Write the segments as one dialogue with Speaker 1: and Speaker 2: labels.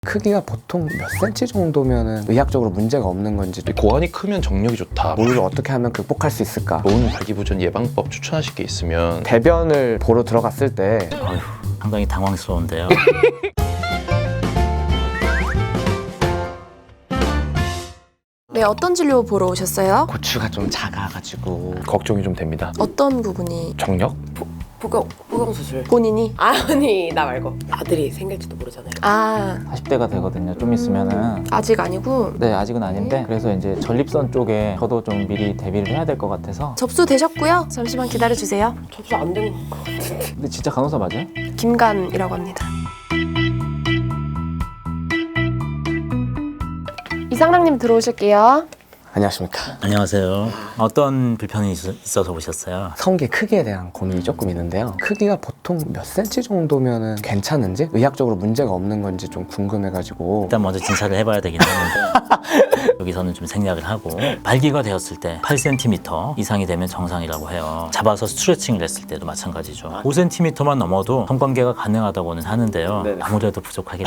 Speaker 1: 크기가 보통 몇 센치 정도면 의학적으로 문제가 없는 건지,
Speaker 2: 고환이 크면 정력이 좋다.
Speaker 1: 뭘 어떻게 하면 극복할 수 있을까?
Speaker 2: 좋은 발기부전 예방법 추천하실 게 있으면
Speaker 1: 대변을 보러 들어갔을 때
Speaker 3: 어휴, 상당히 당황스러운데요.
Speaker 4: 네, 어떤 진료 보러 오셨어요?
Speaker 1: 고추가 좀 작아가지고
Speaker 2: 걱정이 좀 됩니다.
Speaker 4: 어떤 부분이?
Speaker 2: 정력?
Speaker 5: 보경 수술.
Speaker 4: 본인이?
Speaker 5: 아니 나 말고 아들이 생길지도 모르잖아요.
Speaker 4: 아,
Speaker 6: 40대가 되거든요. 좀 있으면은.
Speaker 4: 아직 아니고.
Speaker 6: 네, 아직은 아닌데. 그래서 이제 전립선 쪽에 저도 좀 미리 대비를 해야 될 것 같아서.
Speaker 4: 접수되셨고요. 잠시만 기다려주세요.
Speaker 5: 접수 안 된 거.
Speaker 6: 근데 진짜 간호사 맞아요?
Speaker 4: 김간이라고 합니다. 이상랑님 들어오실게요.
Speaker 1: 안녕하십니까.
Speaker 3: 안녕하세요. 어떤 불편이 있어서 오셨어요?
Speaker 1: 성기 크기에 대한 고민이 조금 있는데요. 크기가 보통 몇 센치 정도면 괜찮은지, 의학적으로 문제가 없는 건지 좀 궁금해가지고.
Speaker 3: 일단 먼저 진찰을 해봐야 되긴 하는데 여기서는 좀 생략을 하고, 발기가 되었을 때 8cm 이상이 되면 정상이라고 해요. 잡아서 스트레칭을 했을 때도 마찬가지죠. 5cm만 넘어도 성관계가 가능하다고는 하는데요. 아무래도 부족하겠죠.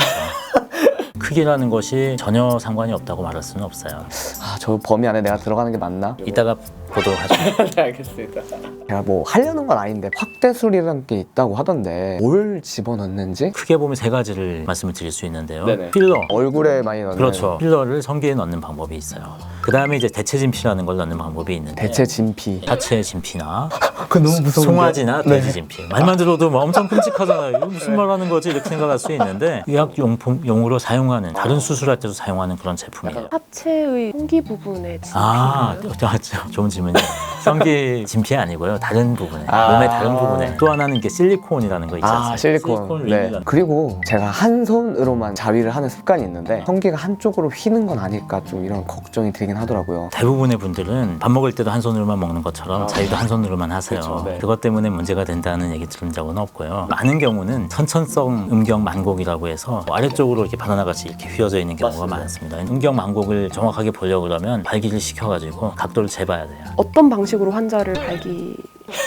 Speaker 3: 크기라는 것이 전혀 상관이 없다고 말할 수는 없어요.
Speaker 1: 저 범위 안에 내가 들어가는 게 맞나?
Speaker 3: 이따가 보도록 하죠.
Speaker 1: 네, 알겠습니다. 제가 뭐 하려는 건 아닌데 확대술이라는 게 있다고 하던데 뭘 집어넣는지?
Speaker 3: 크게 보면 세 가지를 말씀을 드릴 수 있는데요.
Speaker 1: 네네.
Speaker 3: 필러.
Speaker 1: 얼굴에 많이 넣는.
Speaker 3: 그렇죠. 필러를 성기에 넣는 방법이 있어요. 그 다음에 이제 대체 진피라는 걸 넣는 방법이 있는데,
Speaker 1: 대체 진피.
Speaker 3: 하체 진피나
Speaker 1: 그 너무 무서운데.
Speaker 3: 송아지나 돼지 진피. 말만 들어도 뭐 엄청 끔찍하잖아요. 이거 무슨 말 하는 거지? 이렇게 생각할 수 있는데, 의학용품용으로 사용하는, 다른 수술할 때도 사용하는 그런 제품이에요.
Speaker 4: 하체의 성기 부분에
Speaker 3: 아, 맞죠. 좋은 질문이에요. 성기 진피 아니고요. 다른 부분에, 몸의 다른 부분에. 또 하나는 이게 실리콘이라는 거 있지 않습니까?
Speaker 1: 실리콘. 네.
Speaker 3: 링이라는
Speaker 1: 그리고 제가 한 손으로만 자위를 하는 습관이 있는데 성기가 한쪽으로 휘는 건 아닐까 좀 이런 걱정이 들긴 하더라고요.
Speaker 3: 대부분의 분들은 밥 먹을 때도 한 손으로만 먹는 것처럼 자유도 한 손으로만 하세요.
Speaker 1: 그렇죠, 네.
Speaker 3: 그것 때문에 문제가 된다는 얘기 들은 적은 없고요. 많은 경우는 선천성 음경 만곡이라고 해서 아래쪽으로 이렇게 바나나같이 이렇게 휘어져 있는 경우가 많습니다. 음경 만곡을 정확하게 보려고 그러면 발기를 시켜가지고 각도를 재봐야 돼요.
Speaker 4: 어떤 방식으로 환자를 발기...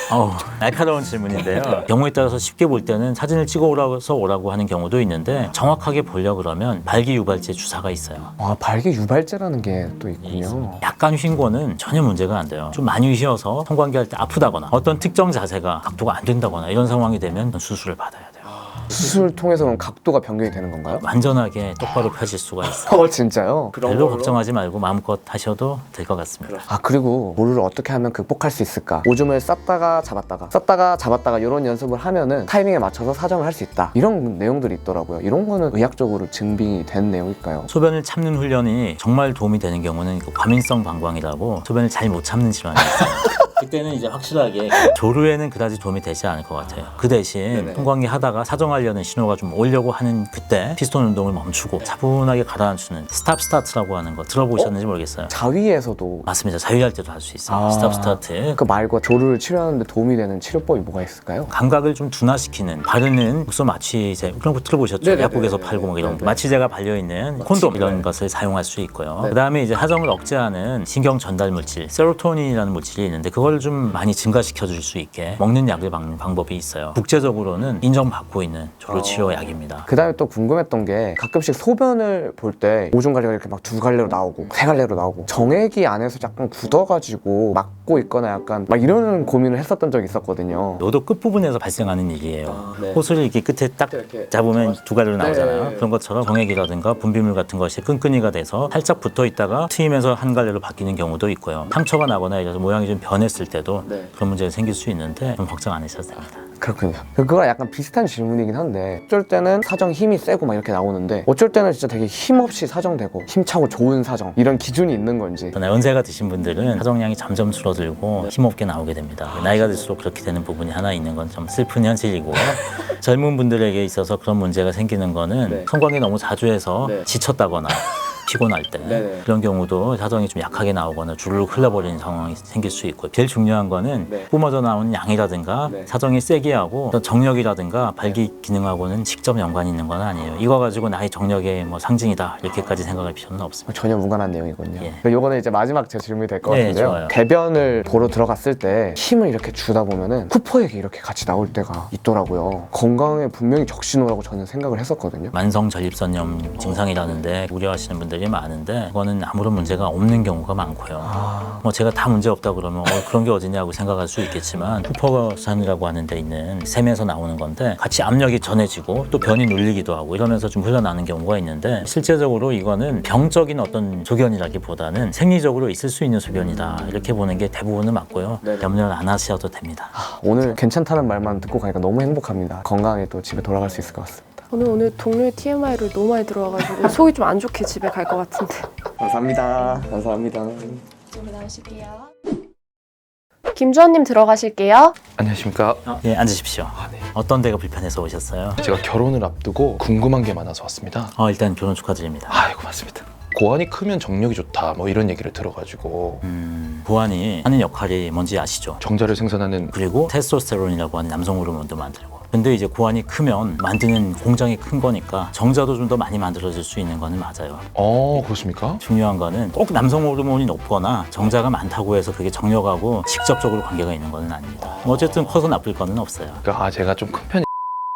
Speaker 3: 날카로운 질문인데요. 경우에 따라서 쉽게 볼 때는 사진을 찍어오라서 오라고 하는 경우도 있는데, 정확하게 보려고 그러면 발기 유발제 주사가 있어요.
Speaker 1: 발기 유발제라는 게 또 있군요.
Speaker 3: 약간 휜 거는 전혀 문제가 안 돼요. 좀 많이 휘어서 성관계할 때 아프다거나 어떤 특정 자세가 각도가 안 된다거나 이런 상황이 되면 수술을 받아야 돼요.
Speaker 1: 수술 통해서 그럼 각도가 변경이 되는 건가요?
Speaker 3: 완전하게 똑바로 펴질 수가 있어요.
Speaker 1: 진짜요?
Speaker 3: 별로 걱정하지 말고 마음껏 하셔도 될 것 같습니다.
Speaker 1: 그리고 뭐를 어떻게 하면 극복할 수 있을까? 오줌을 쌌다가 잡았다가 이런 연습을 하면은 타이밍에 맞춰서 사정을 할 수 있다. 이런 내용들이 있더라고요. 이런 거는 의학적으로 증빙이 된 내용일까요?
Speaker 3: 소변을 참는 훈련이 정말 도움이 되는 경우는 과민성 방광이라고, 소변을 잘 못 참는 질환이 있어요. 그때는 이제 확실하게 조류에는 그다지 도움이 되지 않을 것 같아요. 그 대신 통광기 하다가 사정하려는 신호가 좀 오려고 하는 그때 피스톤 운동을 멈추고 차분하게 가라앉히는 스탑 스타트라고 하는 거 들어보셨는지 모르겠어요.
Speaker 1: 자위에서도
Speaker 3: 맞습니다. 자유할 때도 할 수 있어요. 스탑 스타트.
Speaker 1: 그 말고 조류를 치료하는데 도움이 되는 치료법이 뭐가 있을까요?
Speaker 3: 감각을 좀 둔화시키는, 바르는 국소 마취제, 그런 거 들어보셨죠? 약국에서 팔고 막 이런 거. 마취제가 발려있는 콘돔 이런 것을 사용할 수 있고요. 그 다음에 이제 하정을 억제하는 신경 전달 물질, 세로토닌이라는 물질이 있는데, 그걸 좀 많이 증가시켜 줄 수 있게 먹는 약을 막는 방법이 있어요. 국제적으로는 인정받고 있는 조류 치료 약입니다.
Speaker 1: 그 다음에 또 궁금했던 게, 가끔씩 소변을 볼 때 오줌 갈래가 이렇게 막 2갈래로 나오고 3갈래로 나오고 정액이 안에서 약간 굳어가지고 막고 있거나 약간 막 이런 고민을 했었던 적이 있었거든요.
Speaker 3: 노도 끝부분에서 발생하는 일이에요. 호수를 이렇게 끝에 딱 잡으면 2갈래로 나오잖아요. 그런 것처럼 정액이라든가 분비물 같은 것이 끈끈이가 돼서 살짝 붙어 있다가 트이면서 1갈래로 바뀌는 경우도 있고요. 상처가 나거나 이래서 모양이 좀 변했을 때도 그런 문제가 생길 수 있는데 좀 걱정 안 하셔도 됩니다.
Speaker 1: 그렇군요. 그거랑 약간 비슷한 질문이긴 한데, 어쩔 때는 사정 힘이 세고 막 이렇게 나오는데, 어쩔 때는 진짜 되게 힘없이 사정되고 힘차고 좋은 사정, 이런 기준이 있는 건지.
Speaker 3: 연세가 드신 분들은 사정량이 점점 줄어들고 힘없게 나오게 됩니다. 나이가 들수록 그렇게 되는 부분이 하나 있는 건 좀 슬픈 현실이고, 젊은 분들에게 있어서 그런 문제가 생기는 거는 성관계 너무 자주 해서 지쳤다거나 피곤할 때
Speaker 1: 네네.
Speaker 3: 그런 경우도 사정이 좀 약하게 나오거나 주르륵 흘러버리는 상황이 생길 수 있고 제일 중요한 거는
Speaker 1: 네.
Speaker 3: 뿜어져 나오는 양이라든가
Speaker 1: 네.
Speaker 3: 사정이 세게 하고 어떤 정력이라든가 발기 기능하고는 직접 연관이 있는 건 아니에요. 이거 가지고 나의 정력의 뭐 상징이다 이렇게까지 생각할 필요는 없습니다.
Speaker 1: 전혀 무관한 내용이군요.
Speaker 3: 예.
Speaker 1: 그러니까 요거는 이제 마지막 제 질문이 될 것
Speaker 3: 네,
Speaker 1: 같은데요.
Speaker 3: 좋아요.
Speaker 1: 배변을 보러 들어갔을 때 힘을 이렇게 주다 보면은 쿠퍼에게 이렇게 같이 나올 때가 있더라고요. 건강에 분명히 적신호라고 저는 생각을 했었거든요.
Speaker 3: 만성 전립선염 증상이라는데 우려하시는 분들이 많은데 그거는 아무런 문제가 없는 경우가 많고요. 뭐 제가 다 문제 없다 그러면 그런 게 어디냐고 생각할 수 있겠지만 쿠퍼산이라고 하는 데 있는 샘에서 나오는 건데 같이 압력이 전해지고 또 변이 눌리기도 하고 이러면서 좀 흘러나는 경우가 있는데 실제적으로 이거는 병적인 어떤 소견이라기보다는 생리적으로 있을 수 있는 소견이다 이렇게 보는 게 대부분은 맞고요.
Speaker 1: 네네.
Speaker 3: 염려를 안 하셔도 됩니다.
Speaker 1: 오늘 괜찮다는 말만 듣고 가니까 너무 행복합니다. 건강하게 또 집에 돌아갈 수 있을 것 같습니다.
Speaker 4: 저는 오늘 동료의 TMI를 너무 많이 들어와가지고 속이 좀 안 좋게 집에 갈 것 같은데.
Speaker 1: 감사합니다. 감사합니다.
Speaker 4: 이쪽으로 나오실게요. 김주환님 들어가실게요.
Speaker 2: 안녕하십니까.
Speaker 3: 예, 앉으십시오.
Speaker 2: 네.
Speaker 3: 어떤 데가 불편해서 오셨어요?
Speaker 2: 제가 결혼을 앞두고 궁금한 게 많아서 왔습니다.
Speaker 3: 일단 결혼 축하드립니다.
Speaker 2: 아이고 맞습니다. 고환이 크면 정력이 좋다 뭐 이런 얘기를 들어가지고
Speaker 3: 고환이 하는 역할이 뭔지 아시죠?
Speaker 2: 정자를 생산하는
Speaker 3: 그리고 테스토스테론이라고 하는 남성 호르몬도 만들고 근데 이제 고환이 크면 만드는 공장이 큰 거니까 정자도 좀 더 많이 만들어질 수 있는 거는 맞아요.
Speaker 2: 그렇습니까?
Speaker 3: 중요한 거는 꼭 남성 호르몬이 높거나 정자가 많다고 해서 그게 정력하고 직접적으로 관계가 있는 거는 아닙니다. 어쨌든 커서 나쁠 거는 없어요.
Speaker 2: 그러니까 제가 좀 큰 편이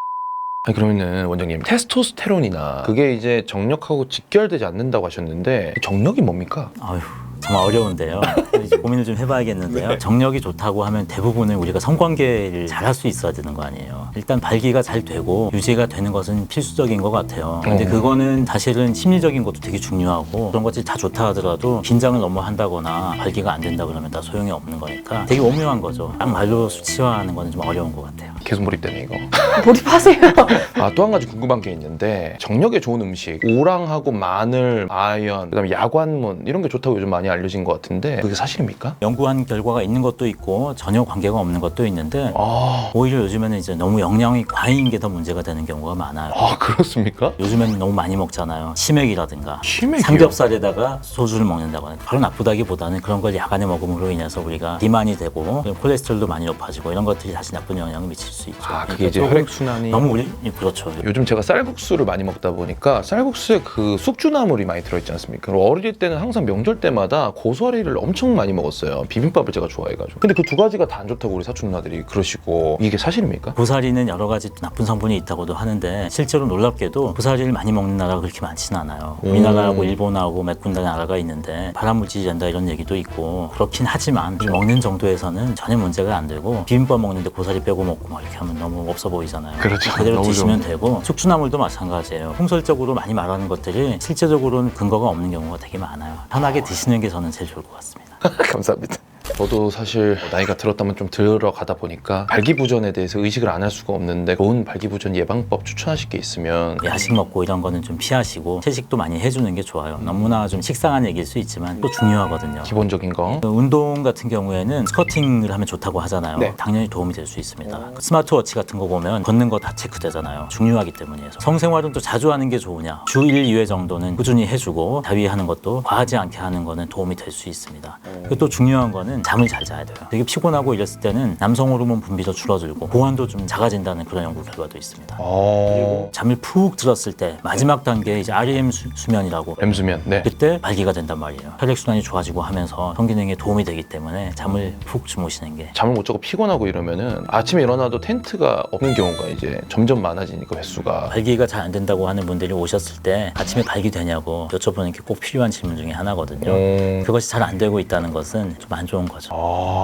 Speaker 2: 그러면은 원장님 테스토스테론이나 그게 이제 정력하고 직결되지 않는다고 하셨는데 정력이 뭡니까?
Speaker 3: 아유 정말 어려운데요. 이제 고민을 좀 해봐야겠는데요. 정력이 좋다고 하면 대부분은 우리가 성관계를 잘 할 수 있어야 되는 거 아니에요. 일단 발기가 잘 되고 유지가 되는 것은 필수적인 것 같아요. 근데 그거는 사실은 심리적인 것도 되게 중요하고 그런 것들이 다 좋다 하더라도 긴장을 너무 한다거나 발기가 안 된다 그러면 다 소용이 없는 거니까 되게 오묘한 거죠. 딱 말로 수치화하는 거는 좀 어려운 것 같아요.
Speaker 2: 계속 몰입되네 이거.
Speaker 4: 몰입하세요.
Speaker 2: 또 한 가지 궁금한 게 있는데 정력에 좋은 음식 오랑하고 마늘, 아연, 그다음에 야관문 이런 게 좋다고 요즘 많이 알려진 것 같은데 그게 사실입니까?
Speaker 3: 연구한 결과가 있는 것도 있고 전혀 관계가 없는 것도 있는데
Speaker 2: 아
Speaker 3: 오히려 요즘에는 이제 너무 영양이 과잉인 게 더 문제가 되는 경우가 많아요.
Speaker 2: 그렇습니까?
Speaker 3: 요즘에는 너무 많이 먹잖아요. 치맥이라든가
Speaker 2: 치맥이요?
Speaker 3: 삼겹살에다가 소주를 먹는다거나 바로 나쁘다기보다는 그런 걸 야간에 먹음으로 인해서 우리가 비만이 되고 콜레스테롤도 많이 높아지고 이런 것들이 다시 나쁜 영향을 미칠 수 있죠.
Speaker 2: 그게 이제
Speaker 3: 조금
Speaker 2: 혈액순환이
Speaker 3: 너무 그렇죠.
Speaker 2: 요즘 제가 쌀국수를 많이 먹다 보니까 쌀국수에 그 숙주나물이 많이 들어있지 않습니까? 그리고 어릴 때는 항상 명절 때마다 고소리를 엄청 많이 먹었어요. 비빔밥을 제가 좋아해가지고. 근데 그 두 가지가 다 안 좋다고 우리 사촌 누나들이 그러시고 이게 사실입니까?
Speaker 3: 고사리는 여러 가지 나쁜 성분이 있다고도 하는데 실제로 놀랍게도 고사리를 많이 먹는 나라가 그렇게 많지는 않아요. 우리나라하고 일본하고 몇 군데 나라가 있는데 발암물질이 된다 이런 얘기도 있고 그렇긴 하지만 이 먹는 정도에서는 전혀 문제가 안 되고 비빔밥 먹는데 고사리 빼고 먹고 막 이렇게 하면 너무 없어 보이잖아요.
Speaker 2: 그렇죠.
Speaker 3: 그대로
Speaker 2: 너무
Speaker 3: 드시면 되고 숙주나물도 마찬가지예요. 통설적으로 많이 말하는 것들이 실제적으로는 근거가 없는 경우가 되게 많아요. 편하게 드시는 게 저는 제일 좋을 것 같습니다.
Speaker 2: 감사합니다. 저도 사실 나이가 들었다면 좀 들어가다 보니까 발기부전에 대해서 의식을 안 할 수가 없는데 좋은 발기부전 예방법 추천하실 게 있으면
Speaker 3: 야식 먹고 이런 거는 좀 피하시고 채식도 많이 해주는 게 좋아요. 너무나 좀 식상한 얘기일 수 있지만 또 중요하거든요.
Speaker 2: 기본적인 거
Speaker 3: 운동 같은 경우에는 스쿼팅을 하면 좋다고 하잖아요.
Speaker 1: 네.
Speaker 3: 당연히 도움이 될 수 있습니다. 스마트워치 같은 거 보면 걷는 거 다 체크되잖아요. 중요하기 때문이에요. 성생활은 또 자주 하는 게 좋으냐? 주 1, 2회 정도는 꾸준히 해주고 자위하는 것도 과하지 않게 하는 거는 도움이 될 수 있습니다. 그리고 또 중요한 거는 잠을 잘 자야 돼요. 되게 피곤하고 이랬을 때는 남성 호르몬 분비도 줄어들고 고환도 좀 작아진다는 그런 연구 결과도 있습니다. 그리고 잠을 푹 들었을 때 마지막 단계 이제 REM 수면이라고
Speaker 2: 엠수면 네.
Speaker 3: 그때 발기가 된단 말이에요. 혈액순환이 좋아지고 하면서 성기능에 도움이 되기 때문에 잠을 푹 주무시는 게
Speaker 2: 잠을 못 자고 피곤하고 이러면은 아침에 일어나도 텐트가 없는 경우가 이제 점점 많아지니까 횟수가
Speaker 3: 발기가 잘 안 된다고 하는 분들이 오셨을 때 아침에 발기 되냐고 여쭤보는 게 꼭 필요한 질문 중에 하나거든요. 그것이 잘 안 되고 있다는 것은 좀 안 좋은 거죠.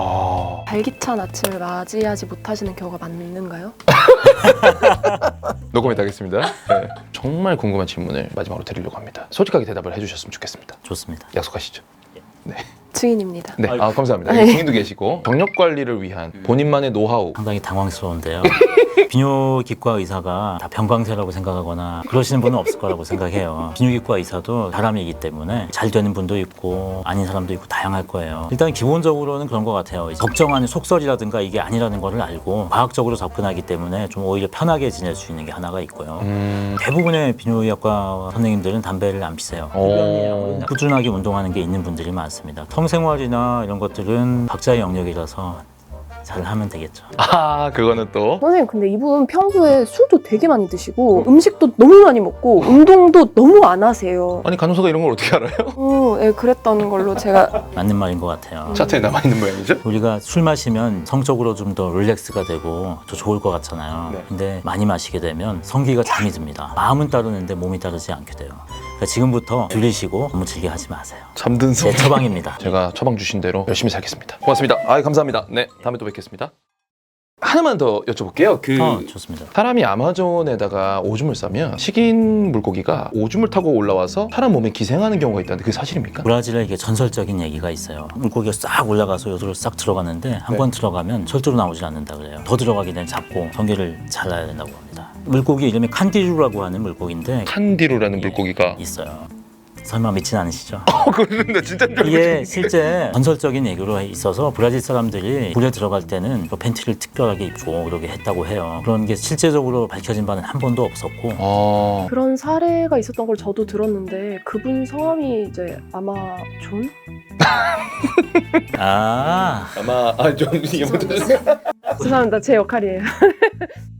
Speaker 4: 발기찬 아침을 맞이하지 못하시는 경우가 많은가요?
Speaker 2: 녹음해 하겠습니다. 네. 정말 궁금한 질문을 마지막으로 드리려고 합니다. 솔직하게 대답을 해주셨으면 좋겠습니다.
Speaker 3: 좋습니다.
Speaker 2: 약속하시죠?
Speaker 4: 증인입니다.
Speaker 2: 네, 감사합니다.
Speaker 4: 네.
Speaker 2: 증인도 계시고 정력 관리를 위한 본인만의 노하우
Speaker 3: 상당히 당황스러운데요. 비뇨기과 의사가 다 병광세라고 생각하거나 그러시는 분은 없을 거라고 생각해요. 비뇨기과 의사도 사람이기 때문에 잘 되는 분도 있고 아닌 사람도 있고 다양할 거예요. 일단 기본적으로는 그런 것 같아요. 걱정하는 속설이라든가 이게 아니라는 거를 알고 과학적으로 접근하기 때문에 좀 오히려 편하게 지낼 수 있는 게 하나가 있고요. 대부분의 비뇨기과 선생님들은 담배를 안 피세요. 꾸준하게 운동하는 게 있는 분들이 많습니다. 성생활이나 이런 것들은 각자의 영역이라서 잘 하면 되겠죠.
Speaker 2: 아, 그거는 또.
Speaker 4: 선생님 근데 이분 평소에 술도 되게 많이 드시고 음식도 너무 많이 먹고 운동도 너무 안 하세요.
Speaker 2: 아니, 간호사가 이런 걸 어떻게 알아요?
Speaker 4: 네, 그랬다는 걸로 제가
Speaker 3: 맞는 말인 것 같아요.
Speaker 2: 차트에 남아있는 모양이죠?
Speaker 3: 우리가 술 마시면 성적으로 좀 더 릴렉스가 되고 더 좋을 것 같잖아요.
Speaker 2: 네.
Speaker 3: 근데 많이 마시게 되면 성기가 잠이 듭니다. 마음은 따르는데 몸이 따르지 않게 돼요. 그러니까 지금부터 줄이시고 너무 즐겨 하지 마세요.
Speaker 2: 잠든
Speaker 3: 제 처방입니다.
Speaker 2: 제가 처방 주신 대로 열심히 살겠습니다. 고맙습니다. 아, 감사합니다. 네, 다음에 또 뵙겠습니다. 하나만 더 여쭤볼게요.
Speaker 3: 좋습니다.
Speaker 2: 사람이 아마존에다가 오줌을 싸면 식인 물고기가 오줌을 타고 올라와서 사람 몸에 기생하는 경우가 있다는데 그게 사실입니까?
Speaker 3: 브라질에 이게 전설적인 얘기가 있어요. 물고기가 싹 올라가서 요도로 싹 들어가는데 한
Speaker 2: 네.
Speaker 3: 번 들어가면 절대로 나오질 않는다 그래요. 더 들어가게 되면 잡고 성게를 잘라야 된다고 합니다. 물고기 이름이 칸디루라고 하는 물고기인데
Speaker 2: 칸디루라는 물고기가
Speaker 3: 있어요. 설마 믿진 않으시죠?
Speaker 2: 그런데 진짜
Speaker 3: 이게 실제 전설적인 얘기로 있어서 브라질 사람들이 물에 들어갈 때는 그 팬티를 특별하게 입고 그러게 했다고 해요. 그런 게 실제적으로 밝혀진 바는 한 번도 없었고
Speaker 4: 그런 사례가 있었던 걸 저도 들었는데 그분 성함이 이제 아마존?
Speaker 3: 아
Speaker 2: 아마 좀
Speaker 4: 죄송합니다. 제 역할이에요.